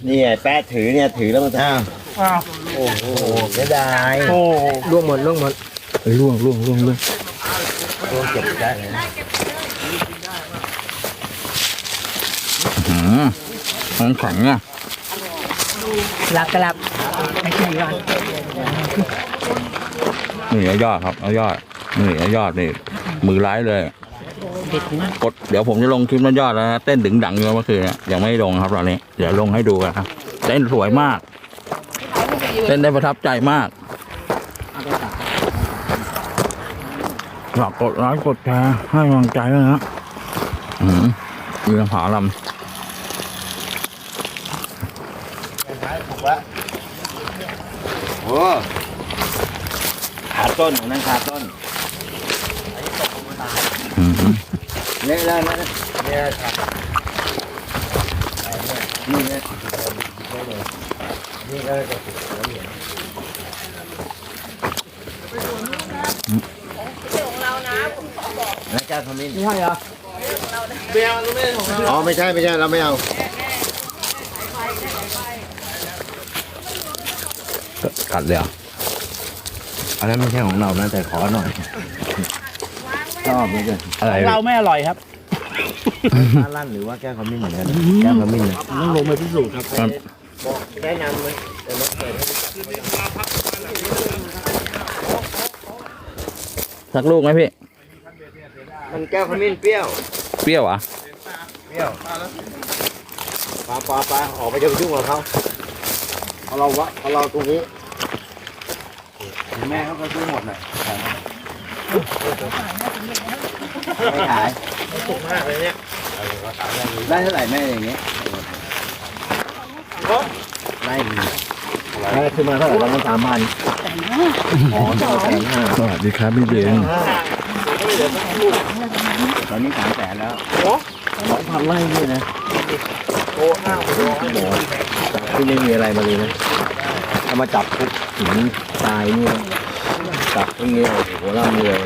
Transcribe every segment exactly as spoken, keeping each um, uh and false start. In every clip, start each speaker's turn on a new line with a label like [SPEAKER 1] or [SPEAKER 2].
[SPEAKER 1] นี่ไงแป๊ดถือเนี่ยถือแล้วมันอ้าวโอ้โหเสียดายโอ้ล่วงหมดล่วงหมดเฮ้ยล่วงล่วงล่วงล่วงล่วงเก็บได้เลย
[SPEAKER 2] อืมมันแข็งเนี่ย
[SPEAKER 3] หลับกระลับไม่ใช่ก่อน
[SPEAKER 2] นี่ยอดครับเอายอดนี่ยอดนี่มือร้ายเลยกดเดี๋ยวผมจะลงคลิปนั้นยอดแล้วนะเต้นดึงดังอยู่เมื่อคืนเนี่ยยังไม่ลงครับตอนนี้เดี๋ยวลงให้ดูกันครับเต้นสวยมากเต้นได้ประทับใจมากฝากกดไลค์กดแชร์ให้กำลังใจด้วยนะอืมมีลำผาลำ
[SPEAKER 1] โอ้ขาต้นของนั่นขาต้นเนี่ยแล้วนะเนี่ยนี่นะนี่ก็จะถูกแล้วเนี่ยนะเจ้าขมิ้นไม่ใช่เหรอไม่เอาไม่ใช่ของเราอ๋อไม่ใช่ไม่ใช่เราไม่เอา
[SPEAKER 2] กัดเลยอ่ะ
[SPEAKER 1] อันนั้นไม่ใช่ของเรานะแต่ขอหน่อยชอบเลยกันอะไร
[SPEAKER 3] เราไม่อร่อยครับ
[SPEAKER 1] ปลาลั่นหรือว่าแก้วขมิ้นเหมือนกันแก้วขมิ้น
[SPEAKER 3] ต้องลงไปพิสูจน์ครับ
[SPEAKER 1] บอกแนะนำเลย
[SPEAKER 2] สักลูกไหมพี่
[SPEAKER 1] มันแก้วขมิ้นเปรี้ยว
[SPEAKER 2] เปรี้ยวอ่ะ
[SPEAKER 1] เปรี้ยวปลาปลาปลาออกไปจะไปยุ่งกับเขาเอาเราวะเอาเราตรงนี้แม่เขาก็ซื้อหมดเลยไม่ขายถูกมากเลยเนี่ยได้เท่าไหร่แม่อย่างเงี้ยได้ได้ขึ้นมาเท่าไหร่ประมาณสามพันอ๋อสองแสนห้า
[SPEAKER 2] สวัสดีครับพี่เบน
[SPEAKER 1] ตอนนี้สามแสนแล้วสองพันไร่นี่นะโอ้ห้าโอ้ที่ไม่มีอะไรมาเลยนะเอามาจับปุ๊บหินทรายนี่จับอย่างเงี้ยโอ้โหร่ำรวย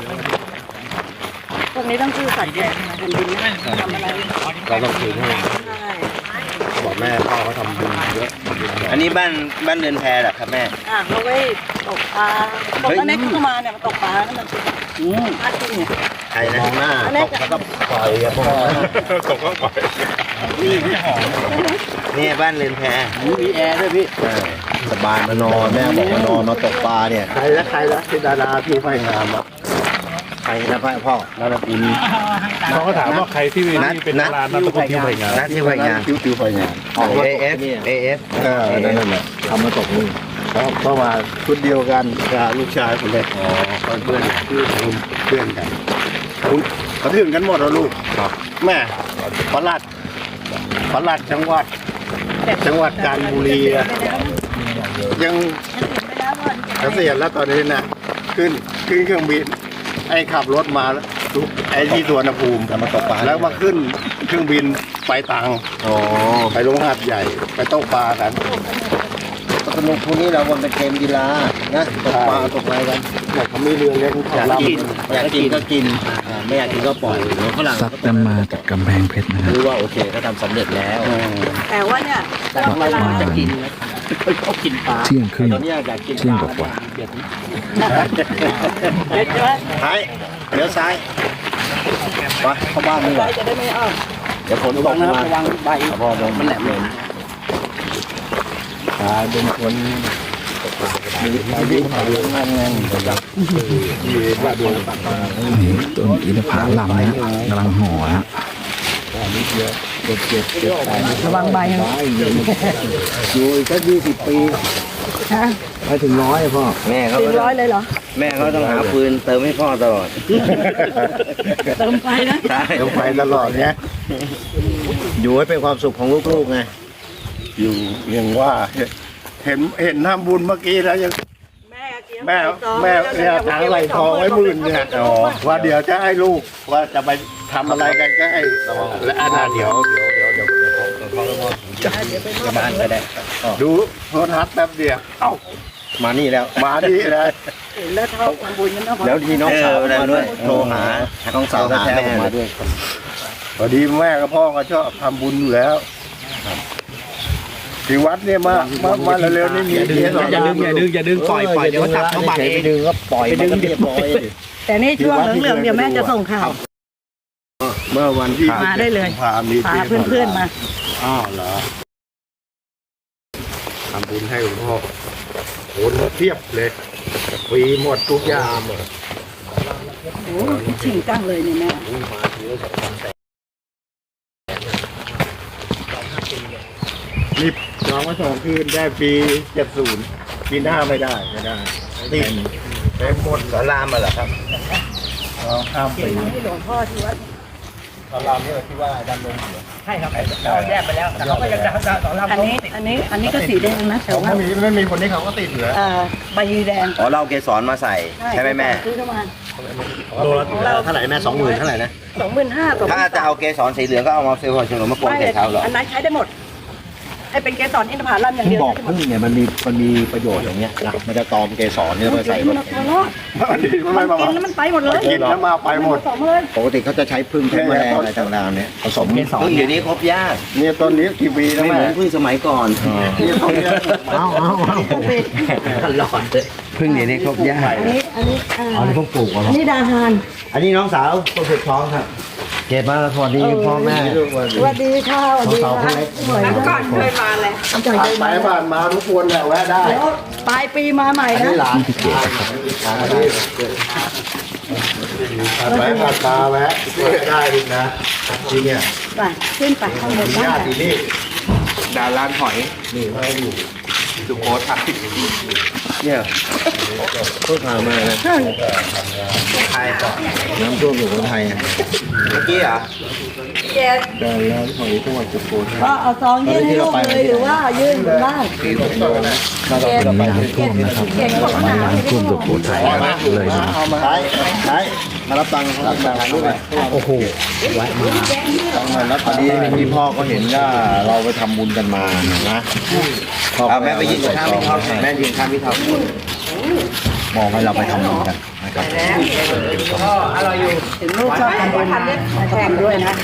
[SPEAKER 3] พวกนี้ต้องชื่อสัตว์แดงนะคนดินไม่ทำอะไร
[SPEAKER 1] เราต้องคืนให้บอกแม่พ่อเขาทำบุญเยอะอันนี้บ้านบ้านเรือนแพเหรอครับแม่
[SPEAKER 3] อ่ะเขาไว้ตกปลาตกตอนนี้ขึ้นมาเนี่ยมันตกปลานั่นมันอืมน่ากินเนี่ย
[SPEAKER 1] ใครนะมองหน้าตกแล้วก็ปล่อยอะพ่อตกก็ปล่อยนี่พี่หอมนี่บ้านเรือนแพมีแอร์ด้วยพี่สบายมานอนแม่บอกมานอนมาตกปลาเนี่ยใครละใครละเป็นดาราพี่ไฟงามอ่ะใครนะพ่อพ่อนัทพิม
[SPEAKER 4] เขาก็ถามว่าใครที่เป็นดารานัทพิมไฟงาม
[SPEAKER 1] นัทที่ไฟงามคิวคิวไฟงามเอเอฟเอเอฟเออนั่นแหละทำมาตกนี่เขาเข้ามาชุดเดียวกันกับลูกชายคนเล็กอ๋อเพื่อนเพื่อนเพื่อนกันคุณกระทืบกันหมดแล้วลูกครับแม่ปลัดปลัดจังหวัดจังหวัดกาญจนบุรียังเกษียณแล้วตอนนี้นะขึ้นขึ้นเครื่องบินไอ้ขับรถมาไอ้ที่สวนภูมิมาตกปลาแล้วมาขึ้นเครื่องบินไปตังไปลงหาดใหญ่ไปตกปลากันสนุกพวกนี้เราวันเป็นเกมกีฬานะตกปลาตกอะไรกันอยากเขามีเรือเล่นอยากกินอยากกินก็กินไม่อยากกินก็ปล่อยฝรั่ง
[SPEAKER 2] ซัดกันมาจากกำแพงเพชรนะครับ
[SPEAKER 1] รู้ว่าโอเคเขาทำสำเร็จแล้ว
[SPEAKER 3] แต่ว่าเนี่ยเวลาจะกินเขากินปลา
[SPEAKER 2] เที่ยงครึ่ง
[SPEAKER 1] ตอนนี้อยากกิน
[SPEAKER 2] เที่ยงกว่า
[SPEAKER 1] ซ้ายเลี้ยวซ้ายไปเข้าบ้านนี่จะได้ไม่อ้อมเดี๋ยวฝนตกนะระวังใบพอโดนมันแหลมเลยตายเป็นคนมีอายุเยอะงานงานจับมีว่าดูตัดมา
[SPEAKER 2] ต้นอินทผลัมนะกำลังห่อฮะ
[SPEAKER 1] เยอะเจ็บเจ็บเจ็บ
[SPEAKER 3] ระวังใบนะ
[SPEAKER 1] อยู่อีกสักยี่สิบปีไปถึงร้อยพ่อแม่เขา
[SPEAKER 3] ถึงร้อยเลยเหรอ
[SPEAKER 1] แม่เขาต้องหาปืนเติมให้พ่อตลอด
[SPEAKER 3] เติมไฟนะ
[SPEAKER 1] ใช่เติมไฟตลอดเนี้ยอยู่ให้เป็นความสุขของลูกๆไงอยู่ยังว่าเห็นเห็นทำบุญเมื่อกี้แล้วยังแม่แม่เนี่ยทางไหลทองไว้หมื่นเนี่ยว่าเดี๋ยวจะให้ลูกว่าจะไปทำอะไรกันก็ให้และอาณาเดี๋ยวเดี๋ยวเดี๋ยวเดี๋ยวเดี๋ยวจะจะมาก็ได้ดูโทรทัศน์แป๊บเดียวเอ้ามานี่แล้วมานี่เลย
[SPEAKER 3] แล้วเท่าทำบุญกันนะ
[SPEAKER 1] แล้วทีน้องสาวมาด้วยโทรหาน้องสาวแท้ๆมาด้วยพอดีแม่กับพ่อก็ชอบทำบุญอยู่แล้วที่วัดเนี่ยมามามาเร็วๆนี่มีเยอะ
[SPEAKER 5] อย่าดึงอย่าดึงอย่าดึงปล่อยปล่อยเดี๋ยวจับเขาบังเอง
[SPEAKER 1] ดึงก็ปล่อยมันก็เรียบร้อย
[SPEAKER 3] แต่นี่ช่วงเหลืองๆเดี๋ยวแม่จะส่งข่าว
[SPEAKER 1] เมื่อวันที่
[SPEAKER 3] มาได้เลย
[SPEAKER 1] พามี
[SPEAKER 3] พาเพื่อนๆมา
[SPEAKER 1] อ้าวเหรอทำบุญให้หลวงพ่อโหเทียบเลยฟรีหมดทุกอย่าง
[SPEAKER 3] โอ้ชิงจังเลยเนี่ยแม่
[SPEAKER 1] นี่จองมาสองคืนได้ปีเจ็ดศูนย์ปีหน้าไม่ได้ไม่ได้ติดเต็มหมดสารามมาเหรอครับเราข้ามปี
[SPEAKER 3] ที่หลวงพ่อที่วัด
[SPEAKER 1] สารามนี่ที่ว่าดันลงเหรอ
[SPEAKER 5] ใช่ครับเราแยกไปแล้วแต่เขาก็ยังจะสอนเรา
[SPEAKER 3] อันนี้อันนี้อันนี้ก็สีแดงนะแต่
[SPEAKER 1] เขา
[SPEAKER 3] ว่า
[SPEAKER 1] ไม่มีไม่มีคนนี้เขาก็ติดเหลือ
[SPEAKER 3] เอ่อใบแดง
[SPEAKER 6] อ๋อเราเอาเกสรมาใส่ใช่ไหมแม่
[SPEAKER 3] ซื้อเข้ามา
[SPEAKER 1] โลละเท่าไหร่แม่สองหมื่นเท่าไหร่นะ
[SPEAKER 3] สองหมื่นห้าสอง
[SPEAKER 6] ถ้าจะเอาเกสรสีเหลืองก็เอามาเซลล์ชนมะกรูด
[SPEAKER 3] ไม่
[SPEAKER 6] ใส่เขาเหรอ
[SPEAKER 3] อันนั้นใช้ได้หมดให้เป็นเกสรอินทผลัมอย่าง
[SPEAKER 1] ที่
[SPEAKER 3] เดียว
[SPEAKER 1] บอก
[SPEAKER 3] ใช้ได้หมด
[SPEAKER 1] พึ่งเนี่ยมันมีมันมีประโยชน์อย่างเงี้ยนะมันจะตอมเกสรเนี่ยมาใส่
[SPEAKER 3] มันเอาตัวรอดมันกินแล้วมันไปหมดเลย
[SPEAKER 1] กินแล้วมาไปหมด
[SPEAKER 3] ผสมเลย
[SPEAKER 1] ปกติเขาจะใช้พึ่งใช้แมลงอะไรต่างๆเนี่ยผสม
[SPEAKER 6] พึ่งเดี๋ยวนี้ครบยาก
[SPEAKER 1] เนี่ยต้นนี้กี่ปีแล้ว
[SPEAKER 6] ไม่เห
[SPEAKER 1] แม่
[SPEAKER 6] มือนพึ่งสมัยก่อน
[SPEAKER 1] นี่ต้นนี้เอาเอาเอา
[SPEAKER 5] ตลอดเลย
[SPEAKER 6] พึ่งเดี๋ยวนี้ครบยาก
[SPEAKER 3] อันนี้อันนี้อ่า
[SPEAKER 1] อันนี้พวกปลูกเหรอ
[SPEAKER 3] อันนี้ดาฮาน
[SPEAKER 1] อันนี้น้องสาวคนสุดท้องครับเก็บมาสวัสดีพ่อแม่
[SPEAKER 3] สวัสดีค่ะสวัสดีค่ะสวยก่อนเคยมาเลยก่อนเคย
[SPEAKER 1] ไป
[SPEAKER 3] มา
[SPEAKER 1] บ้านมาทุกคนแหละแวะได้
[SPEAKER 3] เดี๋ยวปลายปีมาใหม่
[SPEAKER 1] อัน
[SPEAKER 3] นะ
[SPEAKER 1] นี้หลานไปผ่านตาแวะได้ดินะที่เนี่ย
[SPEAKER 3] ไปขึ้นไปข้างบนบ้า
[SPEAKER 1] ญาน ติที่นี่
[SPEAKER 6] ดาร้านหอย
[SPEAKER 1] นี่มาอยู่
[SPEAKER 6] สุโขทัย
[SPEAKER 1] เนี่ยเพิ่งพามานะ
[SPEAKER 6] ไทยต่อ
[SPEAKER 1] น้ำท่วมอยู่คนไทยอ่ะ
[SPEAKER 6] เมื่อกี้เหรอ
[SPEAKER 3] เจ็ด
[SPEAKER 1] ดาร้านหอยจังหวัดสุโขทัย
[SPEAKER 3] ก็เอาซองยื่นให้ลูกเลยหรือว่ายื่นบนบ้าน
[SPEAKER 1] เราเราไป
[SPEAKER 2] น้ำท่วมนะครับ
[SPEAKER 3] เก่งกว่าหนาว
[SPEAKER 2] น้ำท่วมสุโขทัยเลยนะ
[SPEAKER 1] เอามาใช้ใช้มารับตังค์รับตังค์ถ่ายรูปหน่อยโอ้โหไว้มาต้องมาแล้วตอนนี้พี่พ่อก็เห็นว่าเราไปทำบุญกันมานะพ่อ
[SPEAKER 6] เอาแม่ไปยืนข้างพี่ท็อปแม่ยืนข้างพี่ท็อป
[SPEAKER 1] มองให้เราไปทำบุญกันนะครับ
[SPEAKER 3] ถึงลูกชอบทำบุญมาแข่งด้วยนะ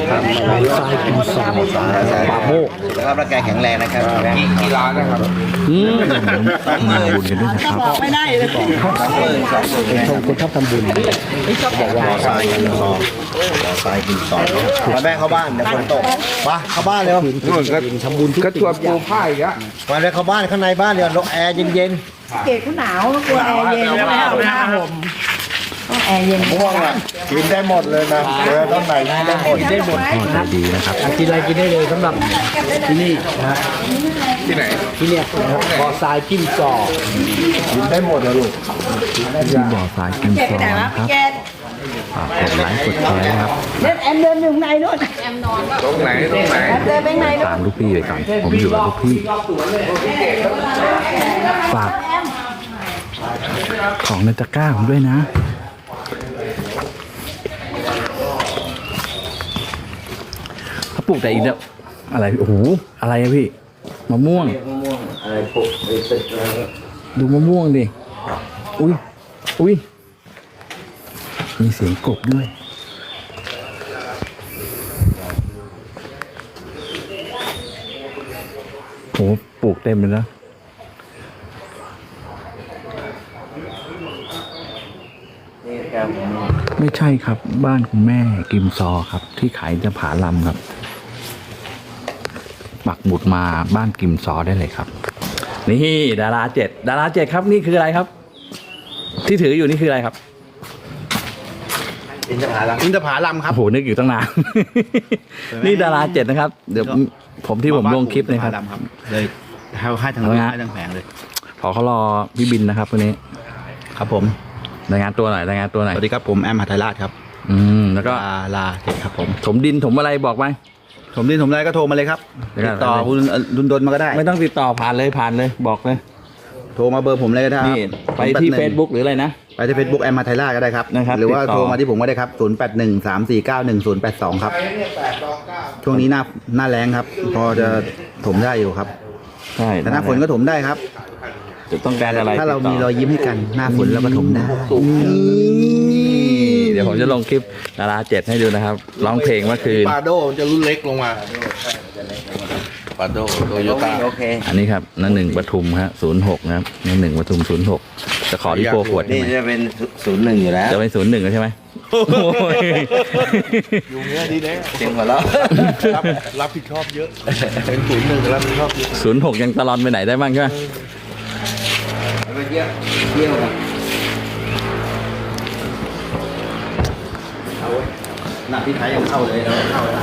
[SPEAKER 1] ปากโมก
[SPEAKER 6] สุขภาพร่างกายแข็งแรงนะครับกี่ร้านนะครับ
[SPEAKER 2] อืมมาบุญกันด้วยนะค
[SPEAKER 3] ก็
[SPEAKER 2] รับ
[SPEAKER 3] บอกไม่ได้เลย
[SPEAKER 6] สองหมื่นสองหมื่น
[SPEAKER 1] ชมคนชอบทำบุญบอกว่าทรายกินซองทรายกินซองมาแม่เข้าบ้านเดี๋ยวฝนตกมาเข้าบ้านเร็วนู่นก็ทำบุญทุกสิ่งทุกอย่างมาเลยเข้าบ้านข้างในบ้านเดี๋ยวลมแอร์เย็น
[SPEAKER 3] เกดเขาหนาวกลัวแอร์เย็นแล้วไม่เอาผ้าห่มต้องแอร์เย็น
[SPEAKER 1] ๆม่วงอ่ะกินได้หมดเลยนะเออต้นไหนกินได้หมดได้หมด
[SPEAKER 2] ก็ดีนะครับ
[SPEAKER 5] กินอะไรกินได้เลยสำหรับที่นี่นะฮะที่ไหนที่เนี่ยนะครับบ่อทรายจิ้มจอก
[SPEAKER 1] กินได้หมดเลยลูก
[SPEAKER 2] ที่บ่อทรายกิน
[SPEAKER 3] เกด
[SPEAKER 2] ซ
[SPEAKER 3] ไป
[SPEAKER 2] อง
[SPEAKER 3] ไหนวะ
[SPEAKER 2] นะครับ
[SPEAKER 3] เกด
[SPEAKER 2] ฝากกดไลค์กดแชร์นะครับ
[SPEAKER 3] เล่นแอมเดินอยู่ในนู่นแอมนอนตรงไหนตรงไหนแอมเดินไปไหนนู่น
[SPEAKER 2] ตามลูกพี่ไปก่อนผมอยู่กับลูกพี่ ฝากของในตะกร้าผมด้วยนะ เขาปลูกแต่อีกแล้วอะไร โอ้โห อะไรอะพี่ มะม่วง
[SPEAKER 1] อะไรปลูกไอ้ตึกอะไร
[SPEAKER 2] ดูมะม่วงดิ อุ้ย อุ้ย มีเสียงกบด้วย โห ปลูกเต็มเลยนะ ไม่ใช่ครับ บ้านคุณแม่กิมซอครับ ที่ขายจะผาลำครับ ปักหมุดมาบ้านกิมซอได้เลยครับ นี่ดาราเจ็ดดาราเจ็ดครับนี่คืออะไรครับ ที่ถืออยู่นี่คืออะไรครับ
[SPEAKER 1] อินทผลัมอินทผลัมครับ
[SPEAKER 2] โอ้โหนึกอยู่ตั้งนาน นี่ดาราเจ็ดนะครับ เดี๋ยวผมที่ผมลงคลิปนะครับ
[SPEAKER 1] เลยให้ให้ทาง
[SPEAKER 2] เอาไง
[SPEAKER 1] ให้ทางแผงเลย
[SPEAKER 2] ขอเขารอพี่บินนะครับวันนี้
[SPEAKER 1] ครับผม
[SPEAKER 2] รายงานตัวหน่อยรายงานตัวหน่อย
[SPEAKER 1] สวัสดีครับผมแอมหัทไทยราชครับ
[SPEAKER 2] อืมแล้วก็
[SPEAKER 1] ลาลาเด็กครับผม
[SPEAKER 2] ถมดินถมอะไรบอกไหม
[SPEAKER 1] ผมดินผมได้ก็โทรมาเลยครับ
[SPEAKER 2] เดี๋ยวก่
[SPEAKER 1] ติ
[SPEAKER 2] อน
[SPEAKER 1] ดต่อคุณรุนดนมาก็ได้
[SPEAKER 2] ไม่ต้องติดต่อผ่านเลยผ่านเลยบอกเลย
[SPEAKER 1] โทรมาเบอร์ผมเลยก็ได้ครับ
[SPEAKER 2] นี่ไปที่ Facebook หรืออะไรนะ
[SPEAKER 1] ไปที่ Facebook แอมหัทไทยราชก็ได้ครับ
[SPEAKER 2] นะครับ
[SPEAKER 1] หรือว่า
[SPEAKER 2] ติดต่อ
[SPEAKER 1] โทรมาที่ผมก็ได้ครับศูนย์แปดหนึ่ง สามสี่เก้าหนึ่งศูนย์แปดสองครับช่วงนี้หน้าหน้าแรงครับ พอจะถมได้อยู่ครับ
[SPEAKER 2] ใช่
[SPEAKER 1] แต่หน้าฝนก็ถมได้ครับ
[SPEAKER 2] จะต้องการอะไร
[SPEAKER 1] ถ้าเรา
[SPEAKER 2] ติดต่
[SPEAKER 1] มีรอยยิ้มให้กันหน้าฝนเราก็ถมได้
[SPEAKER 2] เดี๋ยวผมจะลงคลิปดาราเจ็ดให้ดูนะครับร้องเพลงเมื่อคืน
[SPEAKER 4] ปาโดมันจะรุ่นเล็กลงมา
[SPEAKER 1] ปาโดโตโยต้า
[SPEAKER 6] โอเค
[SPEAKER 2] อันนี้ครับนั่นหนึ่งปทุมครับศูนย์หกนะครับนั่นหนึ่งปทุมศูนย์หกจะขอรีโปรขวดใช่
[SPEAKER 6] นี่
[SPEAKER 2] ไหม
[SPEAKER 6] จะเป็นศูนย์หนึ่งอยู่แล้ว
[SPEAKER 2] จะเป็นศูนย์หนึ่งใช่ไหมโอ้ย
[SPEAKER 1] อยู่เนี้ยดีแน่
[SPEAKER 6] เสียงหัวเราะ
[SPEAKER 1] รับรับผิดชอบเยอะเป็นศูนย์หนึ่งรับผิดชอบเยอะ
[SPEAKER 2] ศูนย์หกยังตลอดไปไหนได้บ้างใช่ไหม
[SPEAKER 6] ไปเที่ยวเที่ยวกัน
[SPEAKER 1] หน้าพี่ไทยยังเข้าเลยเราเข้าแล้ว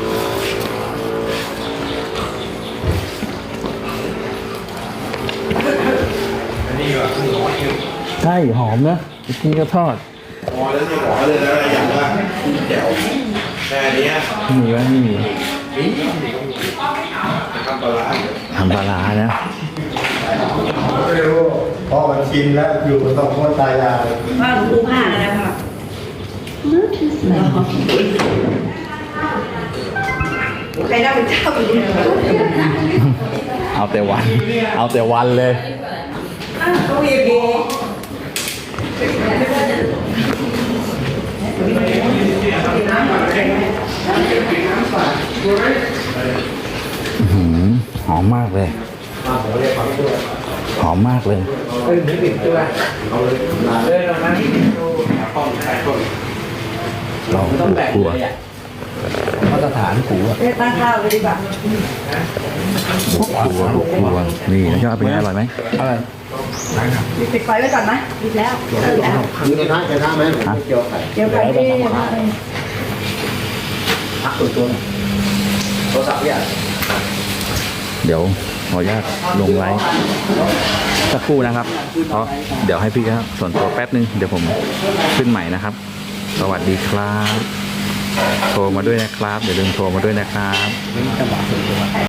[SPEAKER 2] ใช่หอมนะกินก็ทอด
[SPEAKER 1] พอแล้วนี่ขอเลยนะอย่างว่าแจ๋วแค่นี้
[SPEAKER 2] มีไหมไม่มี
[SPEAKER 1] ทำปลาร้า
[SPEAKER 2] ทำปลาร้านะ
[SPEAKER 1] ไม่รู้พอมันชินแล้วอยู่กับสองคนตายาย
[SPEAKER 3] ว่าหนูดูผ้าอะไรค่ะใครได้เป็นเจ้าอยู่เนี่ย
[SPEAKER 2] เอาแต่วัน เอาแต่วันเลย
[SPEAKER 3] ก็วีพี
[SPEAKER 2] อื้อหือหอมมากเลย หอมมากเลยลองดูครัว
[SPEAKER 5] มาตรฐานกูอะ
[SPEAKER 3] เรียกตั้งข้าวเลยดีกว่า
[SPEAKER 2] บุกครัวบุกครัวนี่ยอดเป็นไงอร่อยไหม
[SPEAKER 5] อะไร
[SPEAKER 3] ปิดไฟไว้ก่อนไหมปิดแล้วเออแล้ว
[SPEAKER 1] มีกระทะกระทะไหมผมไม่เกี่ยวไข่
[SPEAKER 3] เดี๋ยวไฟที่
[SPEAKER 5] พักตัวตัวหน่อย
[SPEAKER 6] โทรศัพท์เนี่ย
[SPEAKER 2] เดี๋ยวขออนุญาตลงไลฟ์สักครู่นะครับ เพราะเดี๋ยวให้พี่ครับส่วนตัวแป๊บนึง เดี๋ยวผมขึ้นใหม่นะครับ สวัสดีครับ โทรมาด้วยนะครับ อย่าลืมโทรมาด้วยนะครับ